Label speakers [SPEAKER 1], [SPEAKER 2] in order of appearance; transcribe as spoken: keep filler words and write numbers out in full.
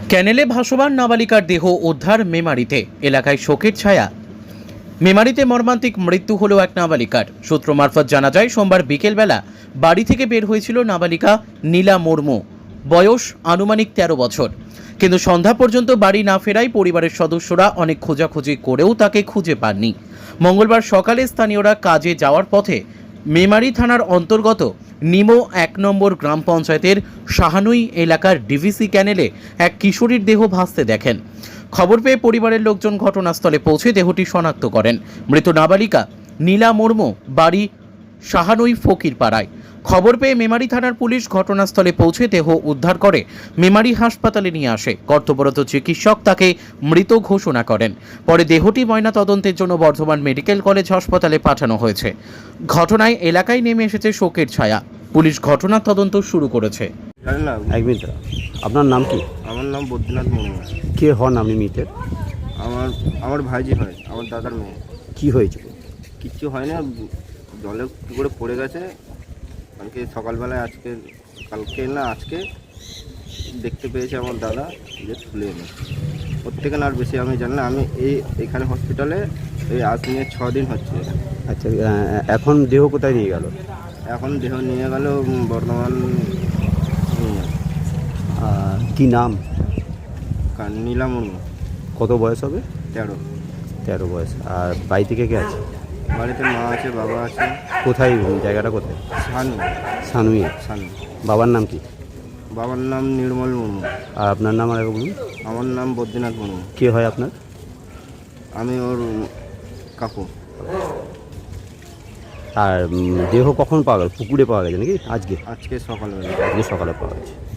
[SPEAKER 1] ক্যানেলে ভাসমান নাবালিকার দেহ উদ্ধার মেমারিতে, এলাকায় শোকের ছায়া। মেমারিতে মর্মান্তিক মৃত্যু হলো এক নাবালিকার। সূত্র মারফত জানা যায়, সোমবার বিকেলবেলা বাড়ি থেকে বের হয়েছিল নাবালিকা নীলা মুর্মু, বয়স আনুমানিক তেরো বছর। কিন্তু সন্ধ্যা পর্যন্ত বাড়ি না ফেরায় পরিবারের সদস্যরা অনেক খোঁজাখুঁজি করেও তাকে খুঁজে পাননি। মঙ্গলবার সকালে স্থানীয়রা কাজে যাওয়ার পথে মেমারি থানার অন্তর্গত নিমো এক নম্বর গ্রাম পঞ্চায়েতের শাহানুই এলাকার ডিভিসি ক্যানেলে এক কিশোরীর দেহ ভাসতে দেখেন। খবর পেয়ে পরিবারের লোকজন ঘটনাস্থলে পৌঁছে দেহটি শনাক্ত করেন। মৃত নাবালিকা নীলা মুর্মু, বাড়ি শাহানুই ফকিরপাড়ায়। খবর পেয়ে মেমারি থানার পুলিশ ঘটনাস্থলে পৌঁছে দেহ উদ্ধার করে মেমারি হাসপাতালে নিয়ে আসে। কর্তব্যরত চিকিৎসক তাকে মৃত ঘোষণা করেন। পরে দেহটি ময়নাতদন্তের জন্য বর্ধমান মেডিকেল কলেজ হাসপাতালে পাঠানো হয়েছে। ঘটনায় এলাকায় নেমে এসেছে শোকের ছায়া। পুলিশ ঘটনার তদন্ত শুরু করেছে।
[SPEAKER 2] জানেন না,
[SPEAKER 3] এক মিনিট, আপনার নাম কি?
[SPEAKER 2] আমার নাম বদ্রীনাথ মুর্মু।
[SPEAKER 3] কে হন আপনি মিটের?
[SPEAKER 2] আমার আমার ভাইজি হয়, আমার দাদার মেয়ে।
[SPEAKER 3] কি হয়েছিল?
[SPEAKER 2] কিচ্ছু হয় না, জলে কী করে পড়ে গেছে কালকে সকালবেলায়। আজকে কালকে না আজকে দেখতে পেয়েছে আমার দাদা, যে তুলে এনে। ওর থেকে না আর বেশি আমি জানি না। আমি এই এখানে হসপিটালে এই আজ নিয়ে ছ দিন হচ্ছে।
[SPEAKER 3] আচ্ছা, এখন দেহ কোথায় নিয়ে গেল?
[SPEAKER 2] এখন দেহ নিয়ে গেল বর্ধমান।
[SPEAKER 3] কি নাম?
[SPEAKER 2] নীলা মুর্মু।
[SPEAKER 3] কত বয়স হবে?
[SPEAKER 2] তেরো।
[SPEAKER 3] তেরো বয়স। আর বাড়ি থেকে কে আছে?
[SPEAKER 2] বাড়িতে মা আছে, বাবা আছে।
[SPEAKER 3] কোথায় জায়গাটা কোথায়?
[SPEAKER 2] সানু।
[SPEAKER 3] সানুইয়ে।
[SPEAKER 2] সানু।
[SPEAKER 3] বাবার নাম কি?
[SPEAKER 2] বাবার নাম নির্মল মুর্মু।
[SPEAKER 3] আর আপনার নাম আর বলুন।
[SPEAKER 2] আমার নাম বদ্রীনাথ মুর্মু।
[SPEAKER 3] কে হয় আপনার?
[SPEAKER 2] আমি ওর কাকু।
[SPEAKER 3] আর দেহ কখন পাওয়া গেল? পুকুরে পাওয়া গেছে নাকি আজকে?
[SPEAKER 2] আজকে সকালবেলা।
[SPEAKER 3] আজকে সকালে পাওয়া গেছে।